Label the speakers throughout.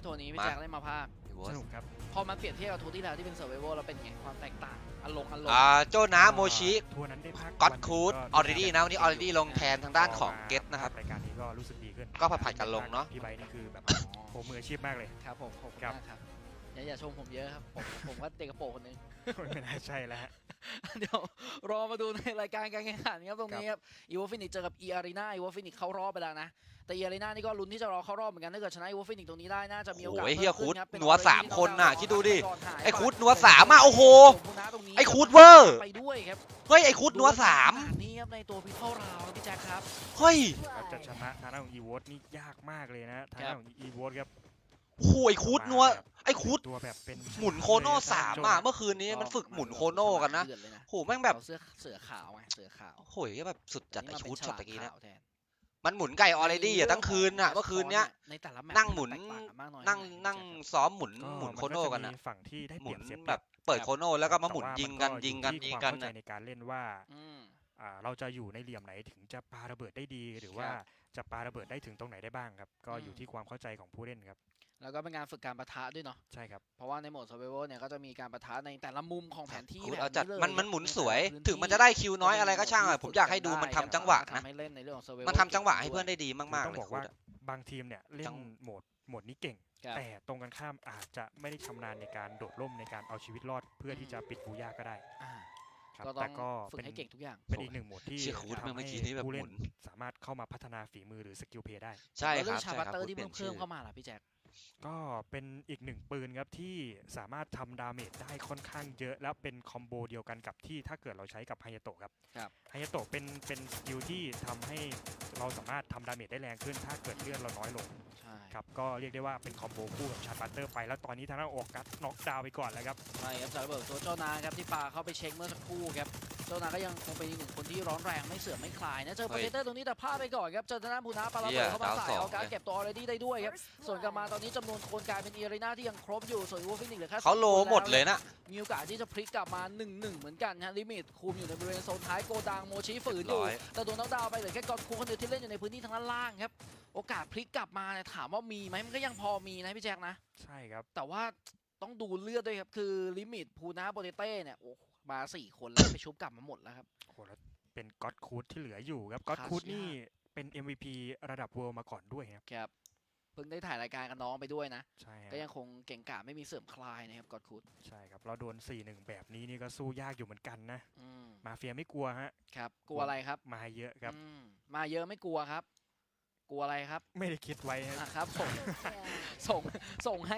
Speaker 1: โทนี้พี่แจ็คได้มาภาค
Speaker 2: สนุกครับ
Speaker 1: พอมันเปรียบเทียบกับทัวร์ที่แล้วที่เป็นเซอร์ไวโวแล้วเป็นไงความแตกต่างอารมณ์
Speaker 3: โจนะโมชิ
Speaker 2: ทัวร์นั้นได้พัก
Speaker 3: ก็อดคูดออริดี้นะวันนี้ออริดี้ลงแทนทางด้านของเกตนะครับ
Speaker 2: รายการนี้ก็รู้สึกดีขึ้น
Speaker 3: ก็ผัดกันลงเนาะ
Speaker 2: พี่ใบนี่คือแบบโหมืออาชีพมากเลย
Speaker 1: ครับผมขอบคุณมากครับอย่าชมผมเยอะครับผมก็เด็กกระโปรงคนนึง
Speaker 2: ไม่น่าใช่แล้ว
Speaker 1: เดี๋ยวรอมาดูในรายการการแข่งขันครับตรงนี้ครับอีวอฟินิกเจอกับอีอารีนาอีวอฟินิกเข้ารอบไปแล้วนะแต่อีอารีนานี่ก็ลุ้นที่จะรอเข้ารอบเหมือนกันถ้าเกิดชนะอีวอฟินิกตรงนี้ได้น่าจะมีโอกาส
Speaker 3: โอ้ยเฮียคูด
Speaker 1: ครับ
Speaker 3: นัว3 คนน่ะคิดดูดิไอ้คูดนัว3อ่ะโอ้โหไอ้คูดเวอร์
Speaker 1: ไปด้วยครับ
Speaker 3: เฮ้ยไอ้คูดนัว
Speaker 1: 3นี่ครับในตัวพิทเทิลราวพี่แจ็คครับ
Speaker 3: เฮ้ย
Speaker 2: จะชนะทางด้านของอีวอตนี่ยากมากเลยนะทางด้านของอีวอตครับ
Speaker 3: โอ้ยคูดนัวไอ้คูด
Speaker 2: ตัวแบบเป็น
Speaker 3: หมุนโคโน่3อ่ะเมื่อคืนนี้มันฝึกหมุนโคโน่กันนะโหแม่งแบบ
Speaker 1: เสือขาวไงเสือขาว
Speaker 3: โอ้ยแบบสุดจัดไอ้คูดช็อตตะกี้นะ
Speaker 1: มั
Speaker 3: นหมุนไก่ออเรดี้อ่ะทั้งคืนอ่ะเมื่อคืนเนี้ยนั่งหมุนนั่งซ้อมหมุนโคโน่กันนะ
Speaker 2: ฝั่งที่ได้
Speaker 3: หมุน
Speaker 2: เปรียบเสีย
Speaker 3: แบบเปิดโคโน่แล้วก็มาหมุนยิงกัน
Speaker 2: ในการเล่นว่าเราจะอยู่ในเหลี่ยมไหนถึงจะปาระเบิดได้ดีหรือว่าจะปาระเบิดได้ถึงตรงไหนได้บ้างครับก็อยู่ที่ความเข้าใจของผู้เล่นครับ
Speaker 1: แล้วก็เป็นงานฝึกการปะทะด้วยเนาะ
Speaker 2: ใช่ครับ
Speaker 1: เพราะว่าในโหมด Survival เนี่ยก็จะมีการปะทะในแต่ละมุมของแผนที่
Speaker 3: เอาจัดมันหมุนสวยถึงมันจะได้คิวน้อยอะไรก็ช่างอ่ะผมอยากให้ดูมันทำจังหวะนะมันทำจังหวะให้เพื่อนได้ดีมากๆเลย
Speaker 2: ต้องบอกว่าบางทีมเนี่ยเล่นโหมดนี้เก่งแต่ตรงกันข้ามอาจจะไม่ได้ชำนาญในการโดดร่มในการเอาชีวิตรอดเพื่อที่จะปิดบูย่าก็ได้แต่ก็
Speaker 1: ฝึกให้เก่งทุกอย่าง
Speaker 2: เป็นอีกหนึ่งโหมดที่ทำให้ผู้เล่นสามารถเข้ามาพัฒนาฝีมือหรือสกิลเพย์ได้
Speaker 1: ใช่ครับชาบัตเตอร์ที่เพิ่มเข้ามาล่ะพี่แจ็ค
Speaker 2: ก็เป็นอีกหนึ่งปืนครับที่สามารถทำดาเมจได้ค่อนข้างเยอะแล้วเป็นคอมโบเดียวกันกับที่ถ้าเกิดเราใช้กับไฮยาโตะครับไฮยาโตะเป็นสกิลที่ทำให้เราสามารถทำดาเมจได้แรงขึ้นถ้าเกิดเลือดเราน้อยลงครับก็เรียกได้ว่าเป็นคอมโบคู่กับชาร์ปัตเตอร์ไปแล้วตอนนี้ทางด้านโอกัสน็อกดาวน์ไปก่อนแล้วครับ
Speaker 1: ใช่ครับจากระเบิดตัวเจ้านาครับที่ปาเข้าไปเช็คเมื่อสักครู่ครับเจ้านาก็ยังคงเป็นอีกหนึ่งคนที่ร้อนแรงไม่เสื่อมไม่คลายนะเจอโปรเจคเตอร์ตรงนี้แต่พลาดไปก่อนครับเจอทางด้านพูนาปาระเบิดเข้ามาใส่เอาการเก็บตัวออเรดี้ได้ด้วยครับส่วนกลับมาตอนนี้จำนวนคนกลายเป็นอีอารีนาที่ยังครบอยู่ส่วนวูฟินิกเหลือแค่
Speaker 3: เขาโลหมดเลยนะ
Speaker 1: มีโอกาสที่จะพลิกกลับมา 1-1 เหมือนกันฮะลิมิตคุมอยู่ในบริเวณโซนท้ายโกดังโมชิฝืนอยู่แต่โดนน็อกดาวน์ไปเหลือแค่กอนคูคนเดียวที่เล่นอยู่ในพื้นที่ทางด้านล่างครับโอกาสพลิกกลับมาถามว่ามีไหมมันก็ยังพอมีนะพี่แจ็คนะ
Speaker 2: ใช่ครับ
Speaker 1: แต่ว่าต้องดูเลือดด้วยครับคือลิมิตพูนาโปเตเต้เนี่ยโอ้มา4 คนแล้วไปชุบกลับมาหมดแล้วครับ
Speaker 2: โอ้แล้วเป็นก็อดคูดที่เหลืออยู่ครับก็อดคูดนี่เป็น MVP ระดับเวิลด์มาก่อนด้วย
Speaker 1: ครับเพิ่งได้ถ่ายรายการกับน้องไปด้วยนะ
Speaker 2: ใช่
Speaker 1: ก็ยังคงเก่งกาจไม่มีเสื่อมคลายนะครับก็อดคูด
Speaker 2: ใช่ครับเราโดน 4-1 แบบนี้นี่ก็สู้ยากอยู่เหมือนกันนะมาเฟียไม่กลัวฮะ
Speaker 1: ครับกลัวอะไรครับ
Speaker 2: มาเยอะครับ
Speaker 1: มาเยอะไม่กลัวครับกลัวอะไรครับ
Speaker 2: ไม่ได้คิดไว้
Speaker 1: ครับส่งให้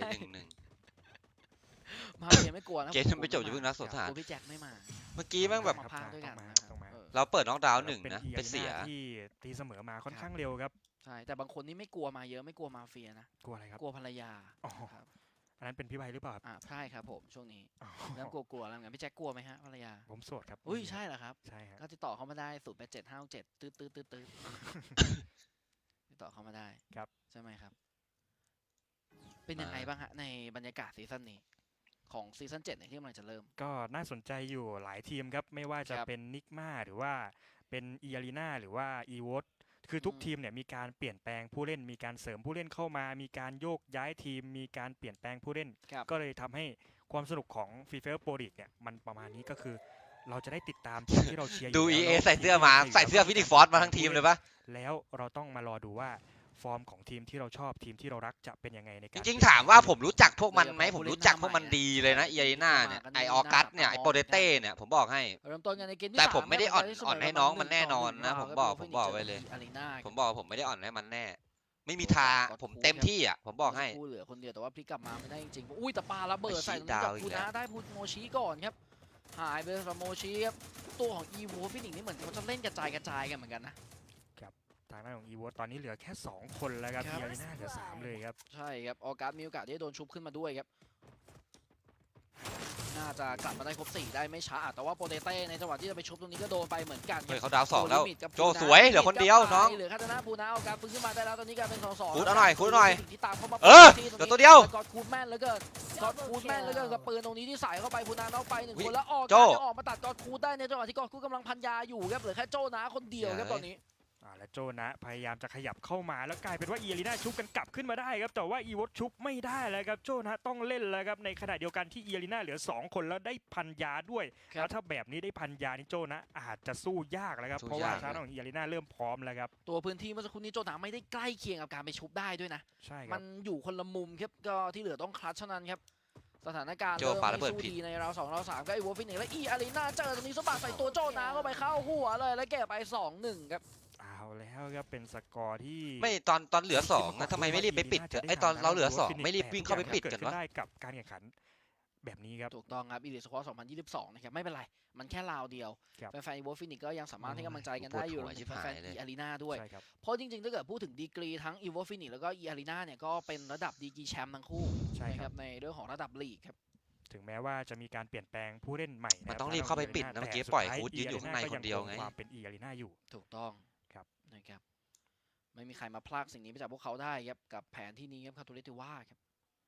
Speaker 1: มาเฟียไม่กลัวนะ
Speaker 3: เกมไม่จบอยู่เพิ่งนัดสนทนา
Speaker 1: พี่แจ็คไม่มา
Speaker 3: เมื่อกี้แม่งแบบเราเปิดน็อกดาวน์1นะเป็นเสีย
Speaker 2: ที่ตีเสมอมาค่อนข้างเร็วครับ
Speaker 1: ใช่แต่บางคนนี่ไม่กลัวมาเยอะไม่กลัวมาเฟียนะ
Speaker 2: กลัวอะไรครับ
Speaker 1: กลัวภรรยา
Speaker 2: อันนั้นเป็นพี่ใบหรือเปล่า
Speaker 1: ใช่ครับผมช่วงนี้เริ่มกลัวแล้วงั้นพี่แจ็คกลัวไหมฮะภรรยา
Speaker 2: ผมโสดครับ
Speaker 1: อุ้ยใช่เหรอครับ
Speaker 2: ใช่ครับ
Speaker 1: ก็ติดต่อเข้ามาได้087567ตื้อติดต่อเข้ามาได้
Speaker 2: ครับ
Speaker 1: ใช่ไหมครับเป็นยังไงบ้างฮะในบรรยากาศซีซั่นนี้ของซีซั่น7ที่กำลังจะเริ่ม
Speaker 2: ก็น่าสนใจอยู่หลายทีมครับไม่ว่าจะเป็นนิกมาหรือว่าเป็นอีอารีนาหรือว่าอีวอตคือทุกทีมเนี่ยมีการเปลี่ยนแปลงผู้เล่นมีการเสริมผู้เล่นเข้ามามีการโยกย้ายทีมมีการเปลี่ยนแปลงผู้เล่นก็เลยทำให้ความสนุกของฟีเฟอร์โปรลีกเนี่ยมันประมาณนี้ก็คือเราจะได้ติดตามทีมที่เราเชียร์
Speaker 3: ดู EA ใส่เสื้อมาใส่เสื้อฟินิกฟอร์สมาทั้งทีมเลยปะ
Speaker 2: แล้วเราต้องมารอดูว่าฟอร์มของทีมที่เราชอบทีมที่เรารักจะเป็นยังไงในการ
Speaker 3: จริงๆถามว่าผมรู้จักพวกมันไหมผมรู้จักพวกมันดีเลยนะอีอารีนาเนี่ยไอออกัสเนี่ยไอโปเตเต้เนี่ยผมบอกให้แต่ผมไม่ได้อ่อนให้น้องมันแน่นอนนะผมบอกไว้เลยผมบอกผมไม่ได้อ่อนให้มันแน่ไม่มีทางผมเต็มที่อ่ะผมบอกให้
Speaker 1: เหลือคนเดียวแต่ว่าพลิกกลับมาไม่ได้จริงๆอุ้ยแต่ปาระเบิดใส่ตรงนี้กับคูนะได้พูโมชิก่อนครับหายไปกับโมชิครับตัวของอีวูฟินิกนี่เหมือนเขาจะเล่นกระจายกันเหมือนกันนะ
Speaker 2: ทางด้านของอีวอตตอนนี้เหลือแค่2 คนแล้วครับอีอารีนาเหลือ3เลยครับ
Speaker 1: ใช่ครับออกัสมีโอกาสที่จะโดนชุบขึ้นมาด้วยครับน่าจะกลับมาได้ครบ4ได้ไม่ช้าแต่ว่าโปเตเต้ในจังหวะที่จะไปชุบตรงนี้ก็โดนไปเหมือนกัน
Speaker 3: เขาดาว2แล้วโจสวยเหลือคนเดียวน้อง
Speaker 1: เหลือคาตานาปูนาออกัสฟื้นขึ้นมาได้แล้วตอนนี้กลายเป็น2-2
Speaker 3: คูดเอาหน่อย
Speaker 1: ที่ตามเข้ามา
Speaker 3: เดี๋ยวตัวเดียว
Speaker 1: กอดคูดแม่นแล้วก็กอดคูดแม่นแล้วก็กับปืนตรงนี้ที่ใส่เข้าไปปูนาเอาไป1 คนแล้วออกมาตัดกอดคูดได้ในจังหวะที่กอดคูดกำลังพันยาอยู่ครับเหลือแค่โจนาคนเดียวครับตอนนี้
Speaker 2: และโจนะพยายามจะขยับเข้ามาแล้วกลายเป็นว่าอีอารีนาชุบกันกลับขึ้นมาได้ครับแต่ว่าอีวอตชุบไม่ได้แล้วครับโจนะต้องเล่นแล้วครับในขณะเดียวกันที่อีอารีนาเหลือ2คนแล้วได้พันยาด้วยแล้วถ้าแบบนี้ได้พันยานี่โจนะอาจจะสู้ยากแล้วครับเพราะว่าทางของอีอารีนาเริ่มพร้อมแล้วครับ
Speaker 1: ตัวพื้นที่เมื่อสักครู่นี้โจนะไม่ได้ใกล้เคียงกับการไปชุบได้ด้วยนะ
Speaker 2: ใช่ครับ
Speaker 1: มันอยู่คนละมุมครับก็ที่เหลือต้องคลัตช์เท่านั้นครับสถานการณ์
Speaker 3: โจปาระเบิดผิด
Speaker 1: ในราว2ราว3ก็ไอ้วอลฟินิกและอีอารีนาเจอตรงนี้สะบัดใส่ตัวโจนะเข้าไปเข้าหัวเลยแล้วเก็บไป 2-1 ครับ
Speaker 2: เอาแล้วครับเป็นสกอร์ที่
Speaker 3: ไม่ตอนเหลือ2นะทำไมไม่รีบไปปิดไอตอนเราเหลือ2ไม่รีบวิ่งเข้าไปปิดกันวะ
Speaker 2: ได้กับการแข่งขันแบบนี้ครับ
Speaker 1: ถูกต้องครับอีลิทสควอต2022นะครับไม่เป็นไรมันแค่ราวเดียวแฟนๆอีวอลฟินิกก็ยังสามารถให้กำลังใจกันได้อยู่แฟนๆอีอารีนาด้วยเพราะจริงๆถ้าเกิดพูดถึงดีกรีทั้งอีวอลฟินิกแล้วก็อีอารีนาเนี่ยก็เป็นระดับดีกรีแชมป์ทั้งคู่นะครับในเรื่องของระดับลีกครับ
Speaker 2: ถึงแม้ว่าจะมีการเปลี่ยนแปลงผู้เล่นใหม่
Speaker 3: มันต้องรีบเข้าไปปิดนะเมื่อกี้ปล่อยคูดยืนอยู่ข้างในคนเดียวไง
Speaker 2: ความเป็นอีอารีนาอยู่
Speaker 1: ถูกต้อง
Speaker 2: ครับ
Speaker 1: นะครับไม่มีใครมาพลากสิ่งนี้ไปจากพวกเขาได้ครับกับแผนที่นี้ครับคาตูเลติว่าครับ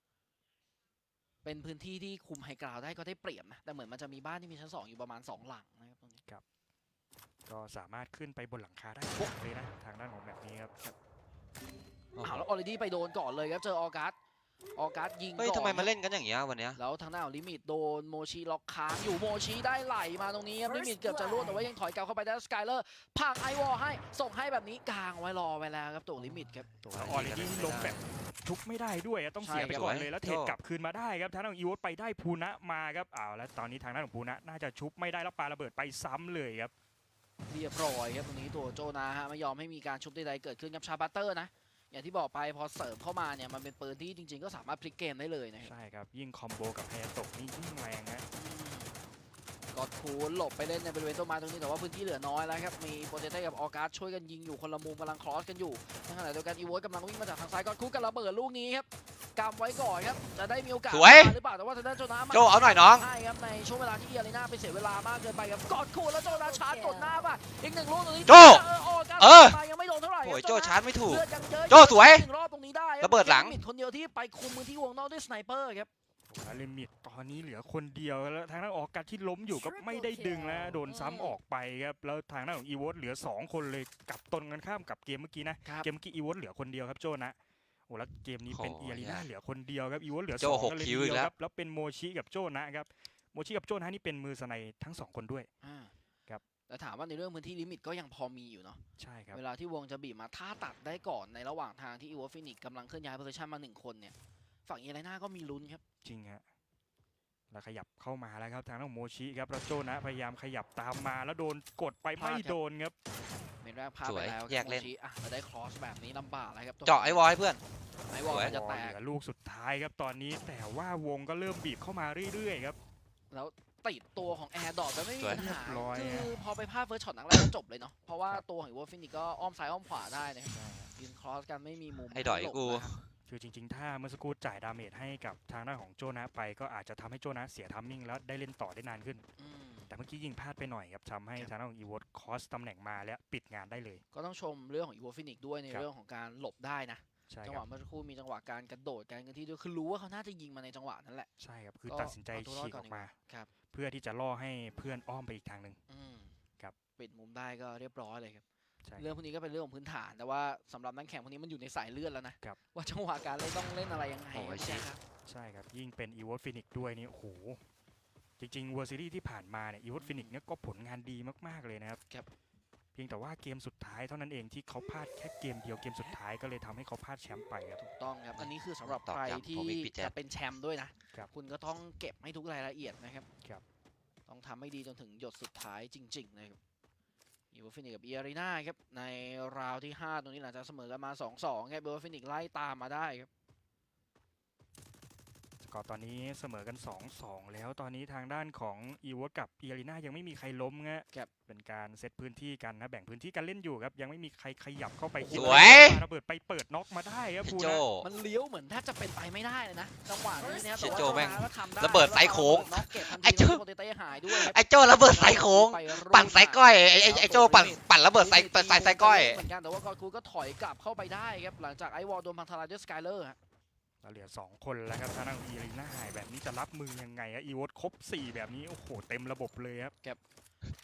Speaker 1: เป็นพื้นที่ที่คุมไฮกราวได้ก็ได้เปรียบนะแต่เหมือนมันจะมีบ้านที่มีชั้น2อยู่ประมาณ2หลังนะครับตรงนี้
Speaker 2: ครับก็สามารถขึ้นไปบนหลังคาได้เลยนะทางด้านของแบบนี้ครับ
Speaker 1: แล้วออเรดี้ไปโดนก่อนเลยครับเจอออกัสยิงก่อน
Speaker 3: เฮ้ยทำไมมาเล่นกันอย่างเงี้ยวันเนี้ย
Speaker 1: แล้วทางด้านของลิมิตโดนโมชิล็อกค้างอยู่โมชิได้ไหลมาตรงนี้ครับลิมิตเกือบจะล่วงแต่ว่ายังถอยกลับเข้าไปได้สกายเลอร์พังไอวอลให้ส่งให้แบบนี้กลางไว้รอไว้แล้วครับตัวลิมิตครับ
Speaker 2: ออเรดี้ลงแบบทุกไม่ได้ด้วยต้องเสียไปก่อนเลยแล้วเทรดกลับคืนมาได้ครับทางด้านของอีวอตไปได้พูนะมาครับแล้วตอนนี้ทางด้านของพูนะน่าจะชุบไม่ได้แล้วปาระเบิดไปซ้ำเลยครับ
Speaker 1: เรียบร้อยครับตรงนี้ตัวโจนาฮะไม่ยอมให้มีการชุบใดๆเกิดขึ้นกับชาบัตเตอร์นะอย่างที่บอกไปพอเสริมเข้ามาเนี่ยมันเป็นปืนที่จริงๆก็สามารถพลิกเกมได้เลยนะครับ
Speaker 2: ใช่ครับยิ่งคอมโบกับไฮยาโตะนี่ยิ่งแรงนะ
Speaker 1: กอดคูนหลบไปเล่นในบริเวณต้นไม้ตรงนี้แต่ว่าพื้นที่เหลือน้อยแล้วครับมีโปรเจเต้กับออการ์ดช่วยกันยิงอยู่คนละมุมกำลังครอสกันอยู่ในขณะเดียวกันอีโวตกำลังวิ่งมาจากทางซ้ายกอดคูนกับระเบิดลูกนี้ครับกำไว้ก่อนครับจะได้มีโอกาสหรือเปล่าแต่ว่าทางด้านโจนา
Speaker 3: โจเอาหน่อยน้อง
Speaker 1: ใช่ครับในช่วงเวลาที่อีอารีนาไปเสียเวลามากเกินไปครับกอดคูนแล้วโจนาชาร์จกดหน้าป่ะอีก1ลูกตรงนี้
Speaker 3: โจ
Speaker 1: ยังไม่โดนเท่าไหร่
Speaker 3: โอ้ยโจชาร์จไม่ถูก
Speaker 1: โจ
Speaker 3: สวย
Speaker 1: รอบตรงนี้ได้
Speaker 3: ระเบิดหลัง
Speaker 1: คนเดียวที่ไปคุมพื้นที่วงนอกด้วยสไนเปอร์ครับ
Speaker 2: ลิมิตตอนนี้เหลือคนเดียวแล้วทางด้านออกการที่ล้มอยู่ก็ไม่ได้ดึงแล้วโดนซ้ำออกไปครับแล้วทางด้านของอีวอตเหลือ2คนเลยกับตนกันข้ามกับเกมเมื่อกี้นะเกมเมื่อกี้อีวอตเหลือคนเดียวครับโจนะโอ้แล้วเกมนี้เป็นอีอารีนาเหลือคนเดียวครับอีวอตเหลือ2กันเลยเดียวครับแล้วเป็นโมชิกับโจนะครับโมชิกับโจนะนี่เป็นมือสไนทั้ง2คนด้วยครับ
Speaker 1: แต่ถามว่าในเรื่องพื้นที่ลิมิตก็ยังพอมีอยู่เนาะ
Speaker 2: ใช่ครับ
Speaker 1: เวลาที่วงจะบีบมาถ้าตัดได้ก่อนในระหว่างทางที่อีวอฟินิกกำลังเคลื่อนย้ายโพซิชันมา1คนเนี่ยฝั่งอีอารีนาก็มีลุ้นครับ
Speaker 2: จริงฮะแล้วขยับเข้ามาแล้วครับทางด้านโมชิครับแล้วโจนะพยายามขยับตามมาแล้วโดนกดไปไม่โดนครับ
Speaker 1: เป็นแรกพลาดไปแล้ว
Speaker 3: แยกเล่น
Speaker 1: แล้วได้ครอสแบบนี้ลำบากเลยครับ
Speaker 3: เจาะไอวอลให้เพื่อน
Speaker 1: ไอวอลจะแตก
Speaker 2: ลูกสุดท้ายครับตอนนี้แต่ว่าวงก็เริ่มบีบเข้ามาเรื่อยๆครับ
Speaker 1: แล้วติดตัวของแอร์ดอทจะไม่มีปัญหาคือพอไปพลาดเฟิร์สช็อตนักแรกก็จบเลยเนาะเพราะว่าตัวของวอลฟินิกก็อ้อมซ้ายอ้อมขวาได้นะครับยืนครอสกันไม่มีมุม
Speaker 3: ไอ้ดอยกู
Speaker 2: คือจริงๆถ้าเมื่อสักครู่จ่ายดาเมจให้กับทางด้านของโจนะไปก็อาจจะทำให้โจนะเสียทัมมิ่งแล้วได้เล่นต่อได้นานขึ้นแต่เมื่อกี้ยิงพลาดไปหน่อยครับทำให้ทางด้านของอีวอตคอสตำแหน่งมาและปิดงานได้เลย
Speaker 1: ก็ต้องชมเรื่องของอีวอฟินิกด้วยในเรื่องของการหลบได้นะจังหวะเมื่อสักครู่มีจังหวะการกระโดดการที่ด้วยคือรู้ว่าเขาน่าจะยิงมาในจังหวะนั้นแหละ
Speaker 2: ใช่ครับคือตัดสินใจฉีกออกมาเพื่อที่จะล่อให้เพื่อนอ้อมไปอีกทางหนึ่งครับ
Speaker 1: ปิดมุมได้ก็เรียบร้อยเลยครับเรื่องพวกนี้ก็เป็นเรื่องของพื้นฐานแต่ว่าสำหรับนักแข่งพวกนี้มันอยู่ในสายเลือดแล้วนะว่าจังหวะการเล่นต้องเล่นอะไรยังไงใช่ครับ
Speaker 2: ใช่ครับยิ่งเป็นอีวอตฟินิกด้วยนี่โอ้โหจริงๆเวอร์ซีรีส์ที่ผ่านมาเนี่ยอีวอตฟินิกเนี่ยก็ผลงานดีมากๆเลยนะครับเพียงแต่ว่าเกมสุดท้ายเท่านั้นเองที่เขาพลาดแค่เกมเดียวเกมสุดท้ายก็เลยทำให้เขาพลาดแชมป์ไปครับ
Speaker 1: ถูกต้องครับอันนี้คือสำหรับใครที่จะเป็นแชมป์ด้วยนะคุณก็ต้องเก็บให้ทุกรายละเอียดนะครับต้องทำให้ดีจนถึงหยดสุดท้ายจริงๆนะครับอีวอฟินิกกับอีอารีนาครับในราวที่5ตรงนี้หลังจากเสมอกันมา 2-2 ครับอีวอฟินิกไล่ตามมาได้ครับ
Speaker 2: ก็ตอนนี้เสมอกัน 2-2 แล้วตอนนี้ทางด้านของอีวอตกับอีอารีนายังไม่มีใครล้มครับเป็นการเซตพื้นที่กันนะแบ่งพื้นที่กันเล่นอยู่ครับยังไม่มีใครขยับเข้าไป
Speaker 3: สวย
Speaker 2: ระเบิดไปเปิดน็อกมาได้ครับ
Speaker 3: พูนะ
Speaker 1: มันเลี้ยวเหมือนแทบจะเป็นไปไม่ได้เลยนะจังหวะนี้นะครับแต่
Speaker 3: ว่า
Speaker 1: โจแม่ง
Speaker 3: ระเบิดสายโค้ง
Speaker 1: ไอ้โจ
Speaker 3: ไอ้โจระเบิดสายโค้งปั่นสายก้อยไอ้โจปั่นระเบิดสายก้อย
Speaker 1: เหมือนกันแต่ว่ากอคูก็ถอยกลับเข้าไปได้ครับหลังจากไอวอลโดนพังทลายด้วยสกายเลอร์
Speaker 2: เหลือ2คนแล้วครับทางด้านอีอารีนาหายแบบนี้จะรับมือยังไงอีวอตครบ4แบบนี้โอ้โหเต็มระบบเลยครับ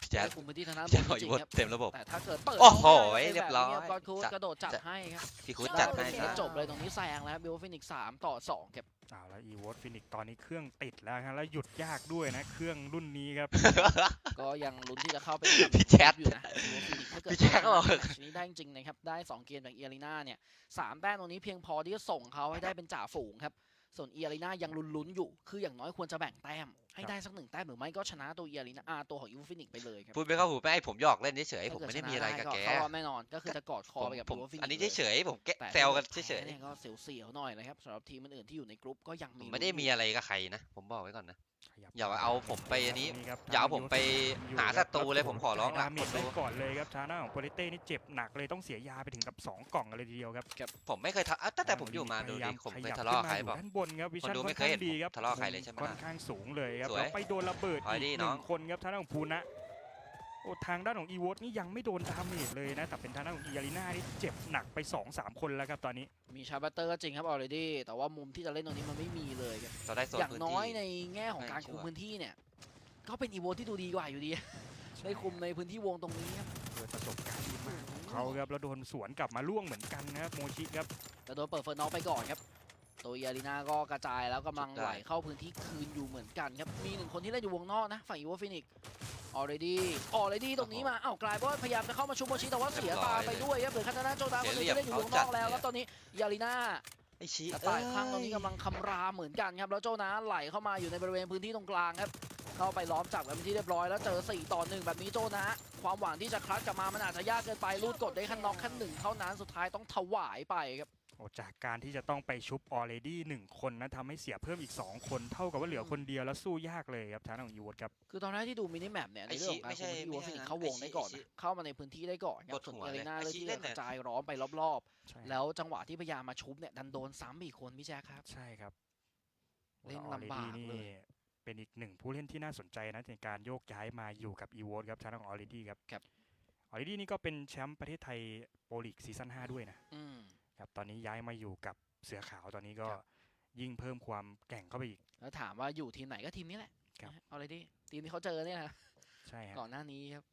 Speaker 3: พี่แจ๊
Speaker 1: ได้
Speaker 3: ด
Speaker 1: คุมพื้นที่ทางด้านบ
Speaker 3: จะ
Speaker 1: น
Speaker 3: หอย
Speaker 1: จริง
Speaker 3: วด
Speaker 1: ๆครับ
Speaker 3: เต็มระบบ
Speaker 1: แต่ถ้าเกิดเปิด
Speaker 3: โอ้โห
Speaker 1: เข้าไป
Speaker 3: เรียบร้อย
Speaker 1: แบบนี้ก็อดคูดกระโดดจัดให้ครับ
Speaker 3: พี่คุด
Speaker 1: ได้
Speaker 3: จัด
Speaker 1: เป็
Speaker 3: ให้
Speaker 1: น
Speaker 3: นะ
Speaker 1: จบเลยตรงนี้แซงแล้วบิวฟินิก3-2ครับ
Speaker 2: เอาแล้วอีวอตฟินิกตอนนี้เครื่องติดแล้วครับแล้วหยุดยากด้วยนะเครื่องรุ่นนี้ครับ
Speaker 1: ก็ยังลุ้นที่จะเข้าไป
Speaker 3: พี่แจ๊ด
Speaker 1: อยู่นะบิวฟินิกถ้าเกิด
Speaker 3: พี่แจ๊ดก็บอก
Speaker 1: แมตช์นี้ได้จริงๆนะครับได้2เกมจากเอียรีนาเนี่ย3แต้มตรงนี้เพียงพอที่จะส่งเขาให้ได้เป็นจ่าฝูงครับส่วนเอียรีนายังลุ้นๆอยู่คืออย่างน้อยควรจะแบ่งแต้มให้ได้สัก1แต้มหรือไม่ก็ชนะตัวเอียรีนาตัวของบิวฟินิกไปเลยครับ
Speaker 3: พูดไม่เข้าหูไม่ผมหยอกเล่นเฉยๆผมไม่ได้มีอะไรกับแก
Speaker 1: เข้ารอบแน่นอนก็คือจะกอดคอไปกับ
Speaker 3: ผม
Speaker 1: บิวฟินิก
Speaker 3: อันนี้เฉยๆผมแกะ
Speaker 1: แต่
Speaker 3: แซวกันเฉย
Speaker 1: เนี่ยก็เสียวๆหน่อยนะครับสำหรับทีมอื่นๆที่อยู่ในกรุ๊ปก็ยัง
Speaker 3: ๆผ
Speaker 1: มี
Speaker 3: มไม่ได้มีอะไรกับใครนะ ผมบอกไว้ก่อนนะ
Speaker 2: ขยับ
Speaker 3: อย่าเอาผมไปอันนี้
Speaker 2: ครับ
Speaker 3: อย่าเอาผมไปหาศัตรูเลยผมขอร้อง
Speaker 2: ละ
Speaker 3: ละ
Speaker 2: เมจไว้ก่อนเลยครับทางด้านของโปรเต้นี่เจ็บหนักเลยต้องเสียยาไปถึงกับ2 กล่องกันเลยทีเดียวครับ
Speaker 3: ผมไม่เคยทะตั้งแต่ผมอยู่มาดูดิผมเคยทะเลาะกับใคร
Speaker 2: ขยั
Speaker 3: บอก
Speaker 2: ด้านบนครับวิชั่น
Speaker 3: คนดู
Speaker 2: ค่
Speaker 3: ไม่
Speaker 2: อน
Speaker 3: เคย
Speaker 2: ข้าง
Speaker 3: เห็น
Speaker 2: ดีครับ
Speaker 3: ผมทะเลาะกับใครเลยใช่ไหม
Speaker 2: ค่อนข้างสูงเลยครับ
Speaker 3: สวย
Speaker 2: แล้วไปโดนระเบิด
Speaker 3: ถอย
Speaker 2: อี
Speaker 3: ดิ
Speaker 2: ก
Speaker 3: น้อง
Speaker 2: 1 คนครับทางด้านของภูนะโอ้ทางด้านของอีวอตนี่ยังไม่โดนดาเมจเลยนะแต่เป็นทางด้านของอีอารีนานี่เจ็บหนักไป 2-3 คนแล้วครับตอนนี้
Speaker 1: มีชาร์บัตเตอร์ก็จริงครับออเรดี้แต่ว่ามุมที่จะเล่นตรงนี้มันไม่มีเลยครับ
Speaker 3: เราได้โซน
Speaker 1: อย่าง
Speaker 3: พื้น
Speaker 1: น้
Speaker 3: ที่
Speaker 1: อยในแง่ของการคุมพื้นที่เนี่ยก็เป็นอีโวที่ดูดีกว่าอยู่ดี ได้คุมในพื้นที่วงตรงนี้ครับ
Speaker 2: ด้วยประสบการณ์ที่มากของเขาครับแล้วโดนสวนกลับมาล่วงเหมือนกันนะครับโมชิครับ
Speaker 1: แต่โดนเปิดเฟิร์นน็อกไปก่อนครับตัวเอียรีนาก็กระจายแล้วกำลังไหลเข้าพื้นที่คืนอยู่เหมือนกันครับมี1คนที่เล่นอยู่วงนอกนะฝั่งอีโวฟินิกออเรดี้ตรงนี้มากลายเป็นว่าพยายามจะเข้ามาชุบโมชิแต่ว่าเสียตาไปด้วยครับเหลือคาตานาโจดาคนหนึงที่เล่นอยู่วงนอกแล้วครับตอนนี้เอียรีนา
Speaker 3: ไอ้ชี้
Speaker 1: กระต่ายข้างตรงนี้กำลังคำรามเหมือนกันครับแล้วโจนาไหลเข้ามาอยู่ในบริเวณพื้นที่ตรงกลางครับเข้าไปล้อมจับกันเป็นที่เรียบร้อยแล้วเจอ4-1แบบนี้โจนาความหวังที่จะคลัชกลับมามันอาจจะยากเกินไปลูดกดได้แค่น็อกแค่1เท่านั้นสุดท้ายต้องถวายไปครับ
Speaker 2: โอ้จากการที่จะต้องไปชุบออเรดี้1 คนนะทำให้เสียเพิ่มอีก 2 คนเท่ากับว่าเหลือคนเดียวแล้วสู้ยากเลยครับทางด้านของอีวอตครับ
Speaker 1: คือตอนแรกที่ดูมินิแมปเนี่ยในเรื่องของการคุมที่วอฟินิกเข้าวงได้ก่อนนะเข้ามาในพื้นที่ได้ก่อนครับส่วนเอเลน่าเลยที่กระจายร้อนไปรอบ
Speaker 2: ใช่
Speaker 1: ๆแล้วจังหวะที่พยายามมาชุบเนี่ยดันโดนซ้ำอีกคนพี่แจ๊คครับ
Speaker 2: ใช่ครับ
Speaker 1: เล่น
Speaker 2: ออเร
Speaker 1: ลำบาก
Speaker 2: ดี้นี่
Speaker 1: เลย
Speaker 2: เป็นอีก1 ผู้เล่นที่น่าสนใจนะในการโยกย้ายมาอยู่กับอีวอตครับทางด้านของออเรดี้ครับออเรดี้นี่ก็เป็นแชมป์ประเทศไทยโปรลีกซีซั่น5ด้วยนะครับตอนนี้ย้ายมาอยู่กับเสือขาวตอนนี้ก็ยิ่งเพิ่มความแกร่งเข้าไปอีก
Speaker 1: แล้วถามว่าอยู่ทีมไหนก็ทีมนี้แหละ
Speaker 2: ครับ
Speaker 1: เอาเลยดิทีมที่เขาเจอเนี่ยนะ
Speaker 2: ใช่ครับ
Speaker 1: ก่อนหน้านี้ครับ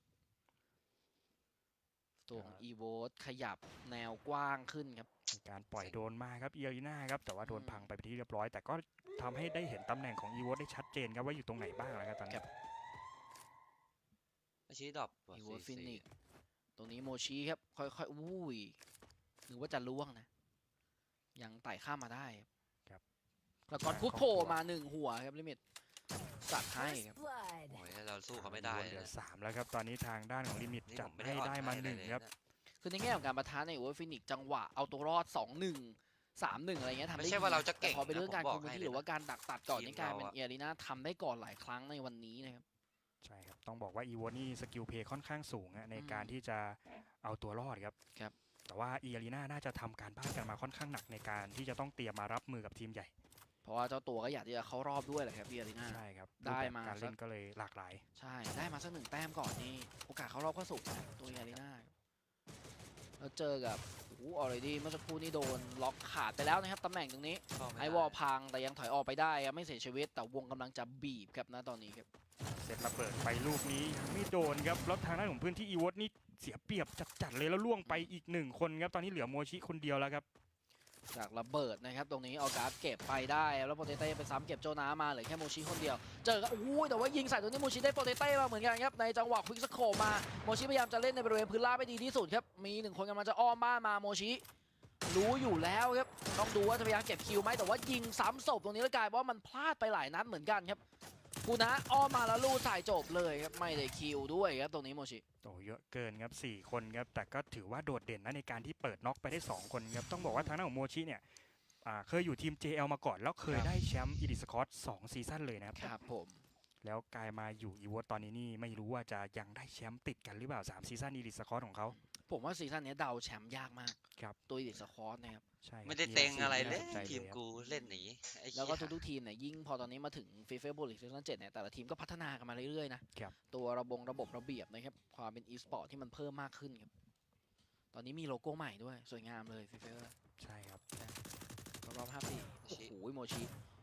Speaker 1: ตัวของอีโวขยับแนวกว้างขึ้นครับ
Speaker 2: มีการปล่อยโดนมาครับเอียรีนาครับแต่ว่าโดนพังไปเป็นที่เรียบร้อย แต่ก็ทำให้ได้เห็นตำแหน่งของอีวอตได้ชัดเจนครับว่าอยู่ตรงไหนบ้างแล้วครับตอนนี้
Speaker 3: ไอ้ชี้ดรอป
Speaker 1: อีโวฟินิกตรงนี้โมชิครับค่อยๆอุ้ยหรือว่าจะล่วงนะยังไต่ข้ามมาได้ครับแล้วก็คุดโผล่มา1 หัวครับลิมิตสัตว์ให้ครับ
Speaker 3: โอ้ยเราสู้เขาไม่ได้
Speaker 2: เหลื
Speaker 3: เล
Speaker 2: อย 3แล้วครับตอนนี้ทางด้านของลิมิต
Speaker 3: นี่
Speaker 2: จั
Speaker 3: ผ
Speaker 2: ด
Speaker 3: มไม่
Speaker 2: ให้
Speaker 3: ได้
Speaker 2: ได้
Speaker 3: อ่อน
Speaker 2: มา
Speaker 3: ให้เลย
Speaker 2: 1ครับ
Speaker 3: นะ
Speaker 1: คือในแง่ของการประทะในอีโวฟินิกจังหวะเอาตัวรอด 2-1 3-1 อะไรเงี้ยทำได้
Speaker 3: ไม่ใช่ว่าเราจะเก่ง
Speaker 1: แต่พอเป็นเรื่องการ
Speaker 3: นะผม
Speaker 1: คุม
Speaker 3: บอก
Speaker 1: พื้น
Speaker 3: ให้
Speaker 1: ที่หรือว่าการดักตัดก่อน
Speaker 3: ทีม
Speaker 1: นี่กลายเป็น
Speaker 3: เราอะ
Speaker 1: เอียรีนาทำได้ก่อนหลายครั้งในวันนี้นะครับ
Speaker 2: ใช่ครับต้องบอกว่าอีวอตนี่สกิลเพย์ค่อนข้างสูงอะในการที่จะเอาตัวรอดครับ
Speaker 1: ครับ
Speaker 2: แต่ว่าเอียรีนาน่าจะทำการบ้านกันมาค่อนข้างหนักในการที่จะต้องเตรียมมารับมือกับทีมใหญ่
Speaker 1: เพราะว่าเจ้าตัวก็อยากที่จะเข้ารอบด้วยแหละครับเอียรีนา
Speaker 2: ใช่ครับ
Speaker 1: ได้
Speaker 2: รูปแบบ
Speaker 1: มา
Speaker 2: การเล่นก็เลยหลากหลาย
Speaker 1: ใช่ได้มาสัก1 แต้มก่อนนี่โอกาสเข้ารอบก็สูงนะตัวเอียรีนาแล้วเจอกับออเรดี้เมื่อสักครู่นี้โดนล็อกขาดไปแล้วนะครับตำแหน่งตรงนี้
Speaker 3: เข้าม่ด้
Speaker 1: ไอวอลพังแต่ยังถอยออกไปได้ครับไม่เสียชีวิตแต่วงกำลังจะบีบครับนะตอนนี้ครับ
Speaker 2: เสร็จระเบิดไปลูกนี้ยังไม่โดนครับแล้วทางด้านของพื้นที่อีวอตนี่เสียเปรียบจัดๆเลยแล้วล่วงไปอีก1 คนครับตอนนี้เหลือโมชิคนเดียวแล้วครับ
Speaker 1: จากระเบิดนะครับตรงนี้เอาการ์ดเก็บไปได้แล้วโปเตเต้ไปซ้ำเก็บโจนามาเหลือแค่โมชิคนเดียวเจอกันอู้ยแต่ว่ายิงใส่ตรงนี้โมชิได้โปเตเต้มาเหมือนกันครับในจังหวะควิกสโคปมาโมชิพยายามจะเล่นในบริเวณพื้นราบไปดีที่สุดครับมี1 คนกำลังจะอ้อมบ้านมาโมชิรู้อยู่แล้วครับต้องดูว่าจะพยายามเก็บคิวไหมแต่ว่ายิงซ้ำศพตรงนี้แล้วกลายว่ามันพลาดไปหลายนัดเหมือนกันครับกูนะอ้อมมาแล้วลูดใส่จบเลยครับไม่ได้คิวด้วยครับตรงนี้โมชิ
Speaker 2: โอ้เยอะเกินครับ4 คนครับแต่ก็ถือว่าโดดเด่นนะในการที่เปิดน็อกไปได้2 คนครับต้องบอกว่าทางด้านของโมชิเนี่ยเคยอยู่ทีม JL มาก่อนแล้วเคยได้แชมป์อีดิสคอร์2 ซีซั่นเลยนะครับ
Speaker 1: ครับผม
Speaker 2: แล้วกลายมาอยู่อีวอตตอนนี้นี่ไม่รู้ว่าจะยังได้แชมป์ติดกันหรือเปล่า3 ซีซั่นอีดิสคอร์ของเขา
Speaker 1: ผมว่าซีซั่นนี้เดาแชมป์ยากมาก
Speaker 2: ครับ
Speaker 1: ตัวอีดิสคอร์สนะครับ
Speaker 2: ใช่ครับ
Speaker 3: ไม่ได้เต็งอะไรเลย
Speaker 2: น่าสนใจ
Speaker 3: ทีม
Speaker 2: ครับ
Speaker 3: กูเล่นหนีไอ้
Speaker 1: แล้วก็
Speaker 3: เหี้ย
Speaker 1: ทุกๆทีมเนี่ยยิ่งพอตอนนี้มาถึงฟีเฟ่บุลลิกซีซั่น7เนี่ยแต่ละทีมก็พัฒนากันมาเรื่อยๆนะครับ ตัวระบบระเบียบนะครับความเป็นอีสปอร์ตที่มันเพิ่มมากขึ้นครับตอนนี้มีโลโก้ใหม่ด้วยสวยงามเลยฟีเฟ่
Speaker 2: ใช่ครับ
Speaker 1: รอบ5 ปีโอ้โหโมชิ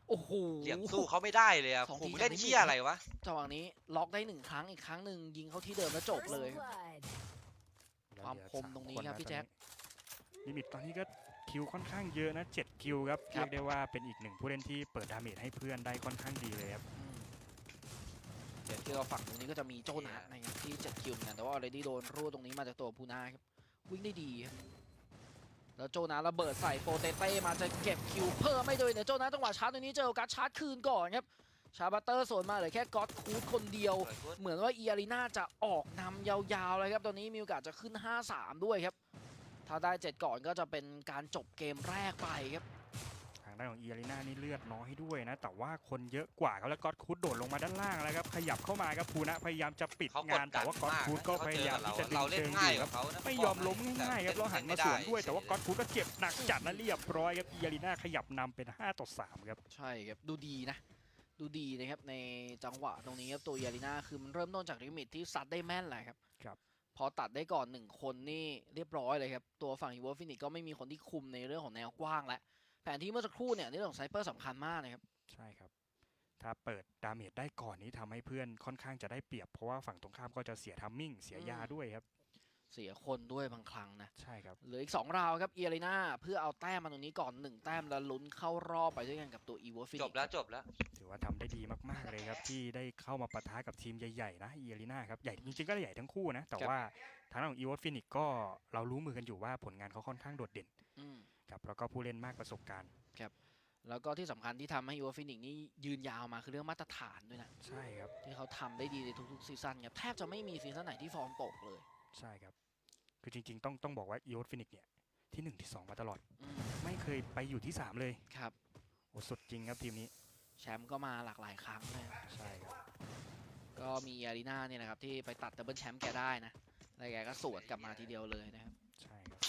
Speaker 1: โอ้โห
Speaker 3: เหลี่ยมสู้เขาไม่ได้เลยอะ
Speaker 1: สอง
Speaker 3: ผ
Speaker 1: ที
Speaker 3: มเล่น
Speaker 1: จากลิมิต
Speaker 3: เชี่ยอะไรวะ
Speaker 1: จังหวะนี้ล็อกได้1 ครั้งอีกครั้งหนึ่งยิงเข้าที่เดิมแล้วจบเลย ความคมตรงนี้ครับพี่แจ็ค
Speaker 2: ลิมิตตอนนี้ก็คิวค่อนข้างเยอะนะ7คิวครับ
Speaker 1: ครั
Speaker 2: เรี
Speaker 1: บ
Speaker 2: ยกได้ว่าเป็นอีกหนึ่งผู้เล่นที่เปิดดาเมจให้เพื่อนได้ค่อนข้างดีเลยครับ
Speaker 1: เดี๋ยวที่เราฝั่งตรงนี้ก็จะมีโจนัสนะครับที่7 คิวเหมือนกันแต่ว่าออเรดี้โดนรูดตรงนี้มาจากตัวพูนาครับวิ่งได้ดีครับแล้วโจนัสระเบิดใส่โปเตเต้มาจะเก็บคิวเพิ่มไม่โดยเนี่ยโจนัสจังหวะชาร์จตรงนี้เจอโอกาสชาร์จคืนก่อนครับชาบัตเตอร์สวนมาเหลือแค่ก็อตคูดคนเดียว เหมือนว่าอีอารีนาจะออกนำยาวๆเลยครับตอนนี้มีโอกาสจะขึ้น 5-3 ด้วยครับถ้าได้7ก่อนก็จะเป็นการจบเกมแรกไปครับ
Speaker 2: ทางด้านของเอียริน่านี่เลือดน้อยด้วยนะ แต่ว่าคนเยอะกว่าครับแล้วก็อตคูดโดดลงมาด้านล่างแล้วครับขยับเข้ามาครับภูนะพยายามจะปิด
Speaker 3: เขาก
Speaker 2: งา
Speaker 3: ด
Speaker 2: น
Speaker 3: ดั
Speaker 2: แต่
Speaker 3: น
Speaker 2: ว่าก็อต
Speaker 3: มาก
Speaker 2: คูดก็
Speaker 3: นะ
Speaker 2: พยายามที่จะดึ
Speaker 3: เรา
Speaker 2: ง
Speaker 3: เล่น
Speaker 2: เชิง
Speaker 3: ง่าย
Speaker 2: อยู่
Speaker 3: ก
Speaker 2: ค
Speaker 3: ว่า
Speaker 2: รับ
Speaker 3: เขานะ
Speaker 2: ไม่ยอมล้มง่ายๆครับแล้วหันมาสวนด้วยแต่ว่าก็อตคูดก็เจ็บหนักจัดและเรียบร้อยครับเอียริน่าขยับนำเป็น5-3ครับ
Speaker 1: ใช่ครับดูดีนะดูดีนะครับในจังหวะตรงนี้ครับตัวอีอารีนาคือมันเริ่มต้นจากลิมิตที่ซัดได้แม่นแหละครับ
Speaker 2: ครับ
Speaker 1: พอตัดได้ก่อน1 คนนี่เรียบร้อยเลยครับตัวฝั่งอีวอฟินิกก็ไม่มีคนที่คุมในเรื่องของแนวกว้างและแผนที่เมื่อสักครู่เนี่ยในเรื่องของไซเปอร์สำคัญมากนะครับ
Speaker 2: ใช่ครับ ถ้าเปิดดาเมจได้ก่อนนี้ทำให้เพื่อนค่อนข้างจะได้เปรียบ เพราะว่าฝั่งตรงข้ามก็จะเสียทัมมิ่งเสียยาด้วยครับ
Speaker 1: เสียคนด้วยบางครั้งนะ
Speaker 2: ใช่ครับ
Speaker 1: เหลืออีก2 ราวครับเอียรีนาเพื่อเอาแต้มมาตรงนี้ก่อน1 แต้มแล้วลุ้นเข้ารอบไปด้วยกันกับตัวอีวอฟินิก
Speaker 3: จบแล้วจบแล้ว
Speaker 2: ถือว่าทำได้ดีมากๆเลยครับที่ได้เข้ามาปะทะกับทีมใหญ่ๆนะเอียริน่าครับใหญ่จริงๆก็ใหญ่ทั้งคู่นะแต่ว่าทางด้านของอีวอฟินิกก็เรารู้มือกันอยู่ว่าผลงานเขาค่อนข้างโดดเด่น
Speaker 1: อืม
Speaker 2: ครับแล้วก็ผู้เล่นมากประสบการณ์
Speaker 1: แล้วก็ที่สำคัญที่ทำให้อีวอฟินิกนี่ยืนยาวมาคือเรื่องมาตรฐานด้วยนะ
Speaker 2: ใช่ครับ
Speaker 1: ที่เขาทำได้ดีในทุกๆซีซั่นครับแทบจะไม่มีซีซั่นไหนที่ฟอร์มตกเลย
Speaker 2: ใช่ครับคือจริงๆต้องบอกว่าอีวอฟินิกเนี่ยที่1ที่2มาตลอด
Speaker 1: อืม
Speaker 2: ไม่เคยไปอยู่ที่3เลย
Speaker 1: ครับ
Speaker 2: โอ้สุดจริงครับทีมนี้
Speaker 1: แชมป์ก็มาหลากหลายครั้งเลยครับ
Speaker 2: ใช่ครับ
Speaker 1: ก็มีอารีนาเนี่ยนะครับที่ไปตัดดับเบิลแชมป์แกได้นะแล้วแกก็สวนกลับมาทีเดียวเลยนะครับ
Speaker 2: ใช่ครับ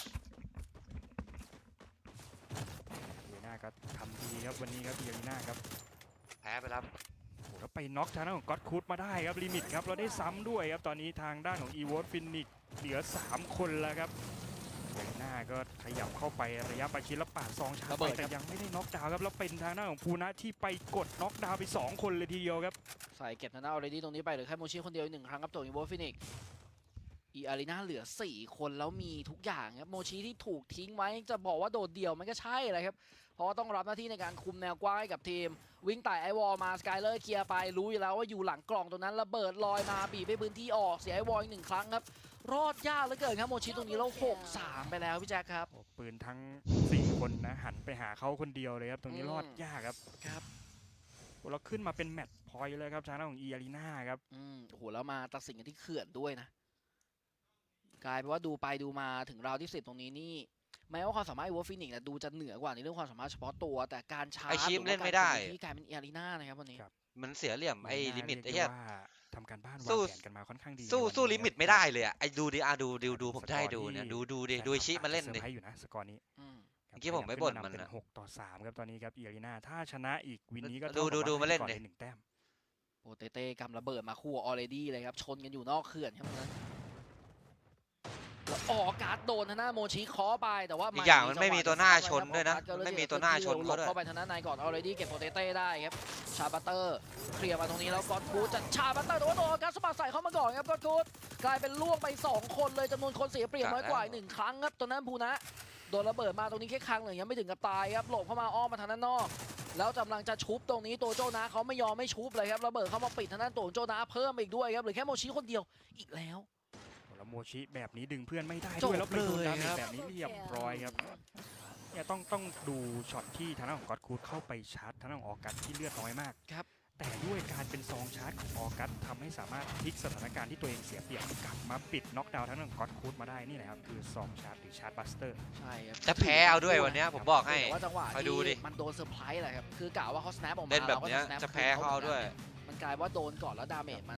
Speaker 2: เอียริน่าก็ทำดีครับวันนี้ครับเอียริน่าครับ
Speaker 3: แพ้ไปแล้ว
Speaker 2: โอ้แล้วไปน็อกทางด้านของก็อตคูดมาได้ครับลิมิตครับเราได้ซ้ำด้วยครับตอนนี้ทางด้านของอีวอฟินิกเหลือ3 คนแล้วครับเอียริน่าก็ขยับเข้าไประยะประชิดแล้วปาดซองชาร์จไปแต่ยังไม่ได้น็อกดาวน์ครับแล้วเป็นทางด้านของภูนะที่ไปกดน็อกดาวน์ไป2 คนเลยทีเดียวครับ
Speaker 1: ใส่เก็บทางด้านออเรดี้ตรงนี้ไปเหลือแค่โมชิคนเดียวอีก1 ครั้งครับตัวอีวอฟินิกอีอารีนาเหลือ4 คนแล้วมีทุกอย่างครับโมชิที่ถูกทิ้งไว้จะบอกว่าโดดเดี่ยวมันก็ใช่เลยครับเพราะว่าต้องรับหน้าที่ในการคุมแนวกว้างให้กับทีม วิ่งไต่ไอวอลมาสกายเลอร์เคลียร์ไปรู้อยู่แล้วว่าอยู่หลังกล่องตรงนั้นระเบิดลอยมาบีบไปพื้นที่ออกเสียไอวอลอีก1 ครั้งครับรอดยากเหลือเกินครับโมชิตรงนี้เรา6-3ไปแล้วพี่แจ็คครับ
Speaker 2: โอ้ปืนทั้ง4 คนนะหันไปหาเขาคนเดียวเลยครับตรงนี้รอดยากครับ
Speaker 1: ครับ
Speaker 2: โอ้เราขึ้นมาเป็นแมตช์พอยต์เลยครับทางด้านของเอียริน่าครับ
Speaker 1: โอ้โหแล้วมาตัดสินกันที่เขื่อนด้วยนะกลายเป็นว่าดูไปดูมาถึงราวที่10ตรงนี้นี่แม้ว่าความสามารถไอวอฟินิกดูจะเหนือกว่าในเรื่องความสามารถเฉพาะตัวแต่การชาร์จ
Speaker 3: ไอ้ชิม
Speaker 1: หรือว่า
Speaker 3: เล่นไม่ได้
Speaker 1: การคุที่กลายเป็นเอียรีนานะครับวันนี้
Speaker 2: ครับ
Speaker 3: มันเสียเหลี่ยมไอ้
Speaker 2: เอีย
Speaker 3: ลิมิต
Speaker 2: น่า
Speaker 3: ไอ้
Speaker 2: เรีย
Speaker 3: เหี้
Speaker 2: ก
Speaker 3: ย
Speaker 2: ได้ว่าทำการบ้านวา
Speaker 3: สู้
Speaker 2: งแผนกันมาค่อนข้างดี
Speaker 3: สู้
Speaker 2: ในวัน
Speaker 3: สู้
Speaker 2: นี้
Speaker 3: ลิมิต
Speaker 2: ครับ
Speaker 3: ไม่ได้เลยอะไอ้ดูดิดูผมจะให้ดูเนี่ยดูดิ
Speaker 2: ใช่
Speaker 3: ดูไอ้ชิ
Speaker 2: ครับ
Speaker 3: มันเล่น
Speaker 2: อาจ
Speaker 3: ดิ
Speaker 2: จะซอร์ไพรส์อยู่นะสกอร์นี้
Speaker 1: อืม
Speaker 2: ครับ
Speaker 3: เมื่อกี้ผมไม่บ่นมัน
Speaker 2: เป็น
Speaker 3: นะ
Speaker 2: 6-3ครับตอนนี้ครับเอียริน่าถ้าชนะอีกวินนี้ก็
Speaker 3: ดู
Speaker 2: เท่ากับ
Speaker 3: ดู
Speaker 2: ว่า
Speaker 3: มาเล่น
Speaker 2: ให้ก่อ
Speaker 3: ดิ
Speaker 2: 1 แต้ม
Speaker 1: โปเตเต้กำระเบิดมาคู่ออเรดี้เลยครับชนกันอยู่นอกเขื่อนครับตรงนั้นแล้วออกการ์ดโดนทางหน้าโมชิเคอไปแต่ว่า
Speaker 3: อีกอย่างมัน
Speaker 1: จั
Speaker 3: ไม่
Speaker 1: หวะ
Speaker 3: มีตัวหน้า
Speaker 1: จะ
Speaker 3: ชนด้วยนะ
Speaker 1: ออกการ์
Speaker 3: มันไม่
Speaker 1: ก็
Speaker 3: มีตัวหน้าชน
Speaker 1: หล
Speaker 3: เขา
Speaker 1: บ
Speaker 3: ด้วย
Speaker 1: เข้าไปทางด้านในก่อนออเรดี้เก็บโปเตเต้ได้ครับชาบัตเตอร์เคลียร์มาตรงนี้แล้วกอดคูดจะชาบัตเตอร์แต่ว่าโดนออการ์สมัครใส่เข้ามาก่อนครับกอดคูดกลายเป็นล่วงไป2 คนเลยจำนวนคนเสียเปรียบน้อยกว่าอีก1 ครั้งครับตอนนั้นภูนะโดนระเบิดมาตรงนี้แค่ครั้งหนึ่งยังไม่ถึงกับตายครับหลบเข้ามาอ้อมมาทางด้านนอกแล้วกำลังจะชุบตรงนี้ตัวโจนาเขาไม่ยอมไม่ชุบเลยครับระเบิดเข้ามาปิดทางด้านตัวโจนาเพิ่มอีกด้วยครับเหลือแค่โมชิคนเดียวอีกแล้ว
Speaker 2: แล้วโมชิแบบนี้ดึงเพื่อนไม่ได้
Speaker 1: จบ
Speaker 2: ด้วยแล้วไปโดน
Speaker 1: เลย
Speaker 2: ดาเมจ
Speaker 1: ครับ
Speaker 2: แบบนี้เรียบร้อยครับเนี่ยต้องดูช็อตที่ทางด้านของก็อตคูดเข้าไปชาร์จทางด้านของออกัสที่เลือดน้อยมาก
Speaker 1: ครับ
Speaker 2: แต่ด้วยการเป็นซองชาร์จของออกัสทำให้สามารถพลิกสถานการณ์ที่ตัวเองเสียเปรียบกลับมาปิดน็อกดาวน์ทางด้านของก็อตคูดมาได้นี่แหละครับคือซองชาร์จหรือชาร์จบัสเตอร์
Speaker 1: ใช่ครับ
Speaker 3: จะแพ้เอาด้วยวันเนี้ยผมบอกให้
Speaker 1: แต่ว่าจังหวะ
Speaker 3: คอยดูดิ
Speaker 1: ที่มันโดนเซอร์ไพรส์แหละครับคือกะว่าเขา snap ออกมา
Speaker 3: เล่นแบบเนี้ย
Speaker 1: ราก็
Speaker 3: จะแพ้เขาเอาด้วย
Speaker 1: มันกลายว่าโดนก่อนแล้วดาเมจ